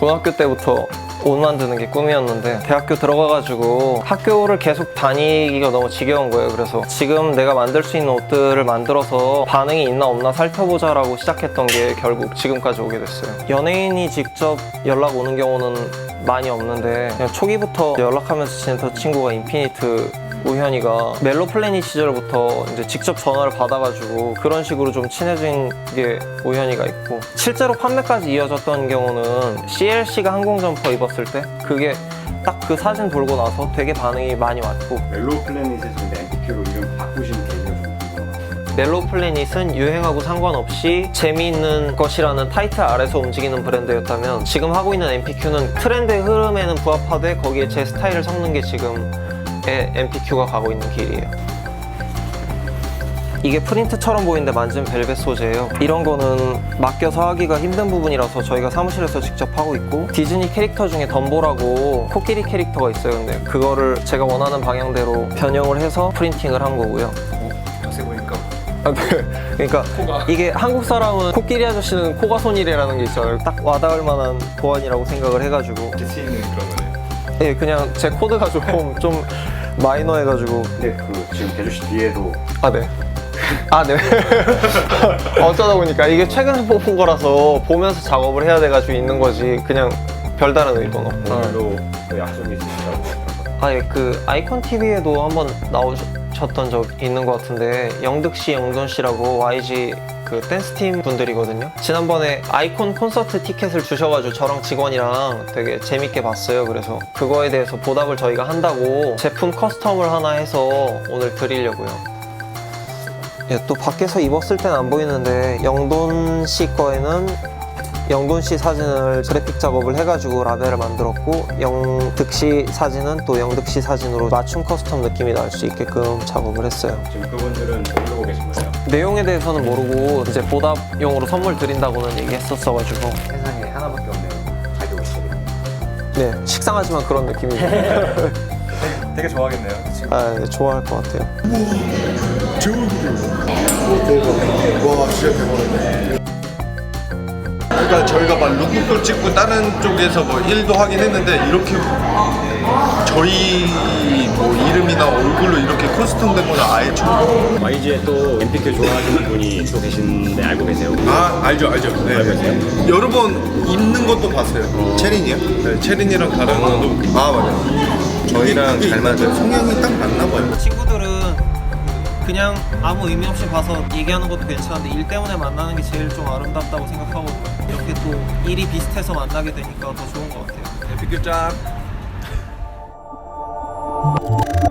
고등학교 때부터 옷 만드는 게 꿈이었는데 대학교 들어가가지고 학교를 계속 다니기가 너무 지겨운 거예요. 그래서 지금 내가 만들 수 있는 옷들을 만들어서 반응이 있나 없나 살펴보자 라고 시작했던 게 결국 지금까지 오게 됐어요. 연예인이 직접 연락 오는 경우는 많이 없는데 그냥 초기부터 연락하면서 지냈던 친구가 인피니트 우현이가 멜로 플래닛 시절부터 이제 직접 전화를 받아가지고 그런 식으로 좀 친해진 게 우현이가 있고, 실제로 판매까지 이어졌던 경우는 CLC가 항공 점퍼 입었을 때 그게 딱 그 사진 돌고 나서 되게 반응이 많이 왔고. 멜로 플래닛에서 근데 MPQ로 이름 바꾸신 계기가 좀 궁금해요. 멜로 플래닛은 유행하고 상관없이 재미있는 것이라는 타이틀 아래서 움직이는 브랜드였다면, 지금 하고 있는 MPQ는 트렌드의 흐름에는 부합하되 거기에 제 스타일을 섞는 게 지금의 MPQ가 가고 있는 길이에요. 이게 프린트처럼 보이는데 만지면 벨벳 소재예요. 이런 거는 맡겨서 하기가 힘든 부분이라서 저희가 사무실에서 직접 하고 있고, 디즈니 캐릭터 중에 덤보라고 코끼리 캐릭터가 있어요. 근데 그거를 제가 원하는 방향대로 변형을 해서 프린팅을 한 거고요. 자세히 보니까 아, 네. 그러니까 코가. 이게 한국 사람은 코끼리 아저씨는 코가 손이래라는 게 있잖아요. 딱 와닿을 만한 보안이라고 생각을 해가지고. 이렇게 쓰이는 그런 거네요. 예, 그냥 제 코드가 좀 마이너해가지고. 근데 그 지금 개조씨 뒤에도 아, 네. 아, 네. 어쩌다 보니까 이게 최근에 뽑은 거라서 보면서 작업을 해야 돼가지고 있는 거지, 그냥 별다른 의도는 없고. 오늘도 그 약속이 있으시다고. 아, 예, 그 아이콘 TV에도 한번 나오셨던 적 있는 것 같은데, 영득 씨, 영돈 씨라고 YG 그 댄스 팀 분들이거든요. 지난번에 아이콘 콘서트 티켓을 주셔가지고 저랑 직원이랑 되게 재밌게 봤어요. 그래서 그거에 대해서 보답을 저희가 한다고 제품 커스텀을 하나 해서 오늘 드리려고요. 예, 또 밖에서 입었을 땐 안 보이는데 영돈 씨 거에는 영돈 씨 사진을 그래픽 작업을 해가지고 라벨을 만들었고, 영득 씨 사진은 또 영득 씨 사진으로 맞춤 커스텀 느낌이 날 수 있게끔 작업을 했어요. 지금 그분들은 모르고 계신 거예요? 내용에 대해서는 모르고 이제 보답용으로 선물 드린다고는 얘기했었어가지고. 세상에 하나밖에 없네요. 가격이 있어요. 네, 식상하지만 그런 느낌이죠. 되게 좋아하겠네요. 지금. 아, 네, 좋아할 것 같아요. 와 진짜 대박이네. 그러니까 저희가 막 룩북도 찍고 다른 쪽에서 뭐 일도 하긴 했는데 이렇게 저희 뭐 이름이나 얼굴로 이렇게 커스텀된 거는 아예 처음. YG에 또 MPQ 좋아하시는 분이 또 계신데 알고 계세요? 아 알죠. 네. 알고 계세요? 여러 번 입는 것도 봤어요. 체린이요? 네, 체린이랑 다른 것도. 아 맞아요. 저희랑 잘 맞아요. 성향이 딱 맞나 봐요. 친구들은 그냥 아무 의미 없이 봐서 얘기하는 것도 괜찮은데 일 때문에 만나는 게 제일 좀 아름답다고 생각하거든요. 이렇게 또 일이 비슷해서 만나게 되니까 더 좋은 것 같아요. MPQ 짱.